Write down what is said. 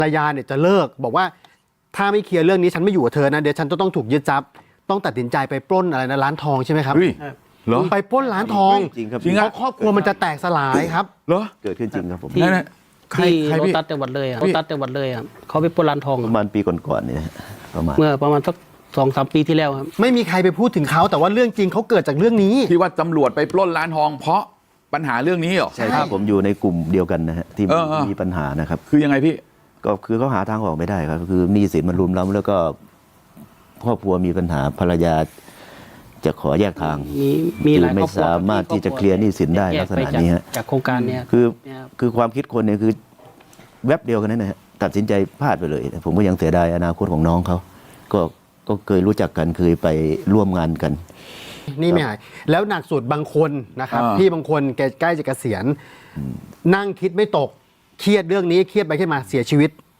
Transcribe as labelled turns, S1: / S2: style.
S1: ภรรยาเนี่ยจะเลิกบอกว่าถ้าไม่เคลียร์เรื่องนี้ฉันไม่อยู่กับเธอนะเดี๋ยวฉันต้องถูกยึดทรัพย์ต้องตัดสินใจไปปล้นอะไรนะร้านทองใช่ไหมครับ
S2: เหรอ
S1: ไปปล้นร้านทอง
S3: จริงครับ
S1: เพราะครอบครัวมันจะแตกสลายครับ
S2: เหรอ
S3: เกิดขึ้นจริงครับผม
S4: ที่
S2: ใคร
S4: โร
S2: พี่
S4: ตัสจังหวัดเลยโรตัสจังหวัดเลยครับเขาไปปล้นร้านทอง
S3: ประมาณปีก่อนๆเนี่ยประมาณ
S4: เมื่อประมาณสัก2-3 ปีที่แล้วครับ
S1: ไม่มีใครไปพูดถึงเขาแต่ว่าเรื่องจริงเขาเกิดจากเรื่องนี้
S2: ที่ว่าตำรวจไปปล้นร้านทอง เพราะปัญหาเรื่องนี้เหรอ
S3: ใช่ครับผมอยู่ในกลุ่มเดียวกันนะฮะที่
S2: เออ
S3: มีปัญหานะครับ
S2: คือยังไงพี่
S3: ก็คือเขาหาทางออกไม่ได้ครับคือหนี้สินมันรุมเร้าแล้วก็ครอบครัวมีปัญหาภรรยาจะขอแยกทาง
S4: มีหลาย
S3: ไม่
S4: ครอบครัว
S3: สามารถที่จะเคลียร์หนี้สินได้
S4: แย
S3: ลั
S4: ก
S3: กษ
S4: ไป
S3: ณะนี้ฮะ
S4: จากโครงการเนี้ย
S3: คือความคิดคนเนี่ยคือแวบเดียวกันนั่นนะฮะตัดสินใจพลาดไปเลย ผมก็ยังเสียดายอนาคตของน้องเขาก็เคยรู้จักกันเคยไปร่วมงานกัน
S1: นี่ไม่หายแล้วหนักสุดบางคนนะครับ
S2: อ่า
S1: พี่บางคนแกใกล้จะเกษียณนั่งคิดไม่ตกเครียดเรื่องนี้เครียดไปเครียดมาเสียชีวิต